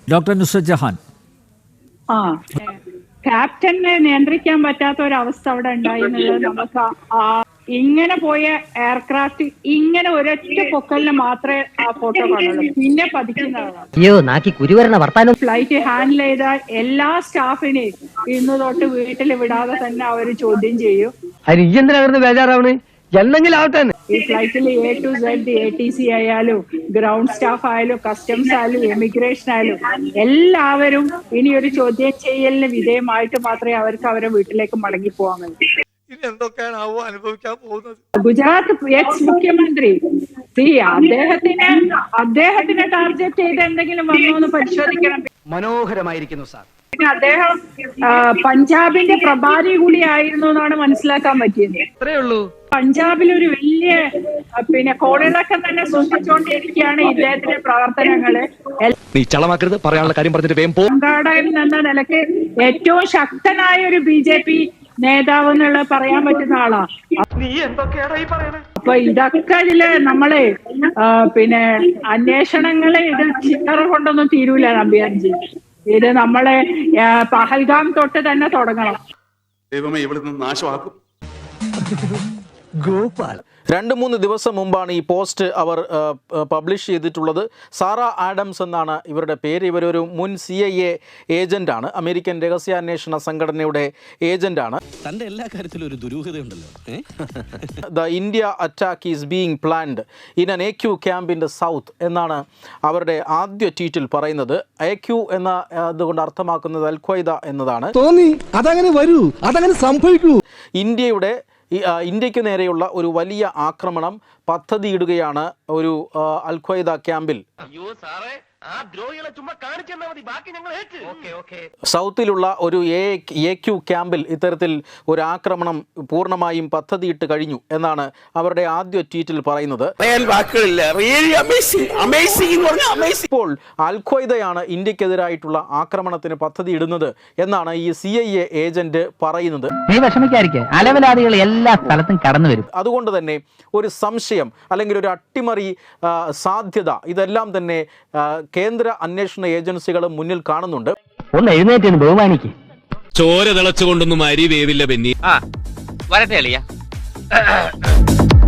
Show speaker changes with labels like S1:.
S1: Doctor Nusrat Jahan.
S2: ക്യാപ്റ്റനെ നിയന്ത്രിക്കാൻ പറ്റാത്ത ഒരവസ്ഥ അവിടെ ഉണ്ടായി എന്നുള്ളത് നമുക്ക് ഇങ്ങനെ പോയ എയർക്രാഫ്റ്റ് ഇങ്ങനെ ഒരൊറ്റ പൊക്കലിന് മാത്രമേ ആ ഫോട്ടോ കാണുള്ളൂ, പിന്നെ പതിക്കുന്നതാണ്. ഫ്ലൈറ്റ് ഹാൻഡിൽ ചെയ്ത എല്ലാ സ്റ്റാഫിനെയും ഇന്ന് തൊട്ട് വീട്ടിൽ വിടാതെ തന്നെ അവർ ചോദ്യം ചെയ്യും. ഈ ഫ്ലൈറ്റിൽ A to Z, ATC ആയാലും ഗ്രൗണ്ട് സ്റ്റാഫ് ആയാലും കസ്റ്റംസ് ആയാലും ഇമിഗ്രേഷൻ ആയാലും എല്ലാവരും ഇനി ഒരു ചോദ്യം ചെയ്യലിന് വിധേയമായിട്ട് മാത്രമേ അവർക്ക് അവരുടെ വീട്ടിലേക്ക് മടങ്ങി പോകാൻ കഴിയൂ. ഗുജറാത്ത് എക്സ് മുഖ്യമന്ത്രി അദ്ദേഹത്തിനെ ടാർഗറ്റ് ചെയ്ത് എന്തെങ്കിലും വന്നോ എന്ന് പരിശോധിക്കണം.
S3: മനോഹരമായിരിക്കുന്നു സാർ.
S2: പിന്നെ അദ്ദേഹം പഞ്ചാബിന്റെ പ്രഭാരി കൂടിയായിരുന്നു എന്നാണ് മനസ്സിലാക്കാൻ പറ്റിയത്.
S3: അത്രേ ഉള്ളൂ.
S2: പഞ്ചാബിൽ ഒരു വലിയ കോളിളക്കം തന്നെ സൃഷ്ടിച്ചുകൊണ്ടിരിക്കുകയാണ് ഇദ്ദേഹത്തിന്റെ പ്രവർത്തനങ്ങള്. സംഘാടകൻ എന്ന നിലക്ക് ഏറ്റവും ശക്തനായ ഒരു BJP നേതാവ് എന്നുള്ളത് പറയാൻ പറ്റുന്ന ആളാ. അപ്പൊ ഇതൊക്കെ ഇതില് നമ്മള് അന്വേഷണങ്ങള് ഇത് ചില്ലറ കൊണ്ടൊന്നും തീരൂല നമ്പ്യാൻജി. ഇത് നമ്മളെ പഹൽഗാം തൊട്ട് തന്നെ തുടങ്ങണം.
S4: ദൈവമേ ഇവിടുന്ന് നാശമാക്കും.
S5: ഗോപാൽ 2-3 ദിവസം മുമ്പാണ് ഈ പോസ്റ്റ് അവർ പബ്ലിഷ് ചെയ്തിട്ടുള്ളത്. സാറ ആഡംസ് എന്നാണ് ഇവരുടെ പേര്. ഇവരൊരു മുൻ CIA ഏജന്റാണ്, അമേരിക്കൻ രഹസ്യാന്വേഷണ സംഘടനയുടെ ഏജന്റാണ്.
S6: തന്റെ എല്ലാ കാര്യത്തിലും ഒരു ദുരൂഹതയുണ്ടല്ലോ.
S5: The India attack is being planned in an AQ camp in the south എന്നാണ് അവരുടെ ആദ്യ ട്വീറ്റിൽ പറയുന്നത്. AQ എന്ന അതുകൊണ്ട് അർത്ഥമാക്കുന്നത് അൽ ഖ്വയ്ദ എന്നതാണ്.
S7: തോന്നി അതങ്ങനെ വരൂ, അതങ്ങനെ സംഭവിക്കൂ.
S5: ഇന്ത്യക്ക് നേരെയുള്ള ഒരു വലിയ ആക്രമണം പദ്ധതിയിടുകയാണ് ഒരു അൽ ഖ്വയ്ദ ക്യാമ്പിൽ. സൗത്തിലുള്ള ഒരു AQ ക്യാമ്പിൽ ഇത്തരത്തിൽ ഒരു ആക്രമണം പൂർണ്ണമായും പദ്ധതിയിട്ട് കഴിഞ്ഞു എന്നാണ് അവരുടെ ആദ്യ ട്വീറ്റിൽ പറയുന്നത്. ഇപ്പോൾ അൽ ഖ്വയ്ദയാണ് ഇന്ത്യക്കെതിരായിട്ടുള്ള ആക്രമണത്തിന് പദ്ധതി ഇടുന്നത് എന്നാണ് ഈ CIA ഏജന്റ് പറയുന്നത്.
S8: അലവലാദികൾ എല്ലാ സ്ഥലത്തും കടന്നു വരും.
S5: അതുകൊണ്ട് തന്നെ ഒരു സംശയം അല്ലെങ്കിൽ ഒരു അട്ടിമറി സാധ്യത ഇതെല്ലാം തന്നെ കേന്ദ്ര അന്വേഷണ ഏജൻസികൾ മുന്നിൽ കാണുന്നുണ്ട്.
S8: ഒന്ന് എഴുന്നേറ്റ് ബഹുമാനിക്ക്.
S6: ചോര തിളച്ചുകൊണ്ടൊന്നും അരി വേവില്ല ബെന്നി.
S8: വരട്ടെ അളിയ.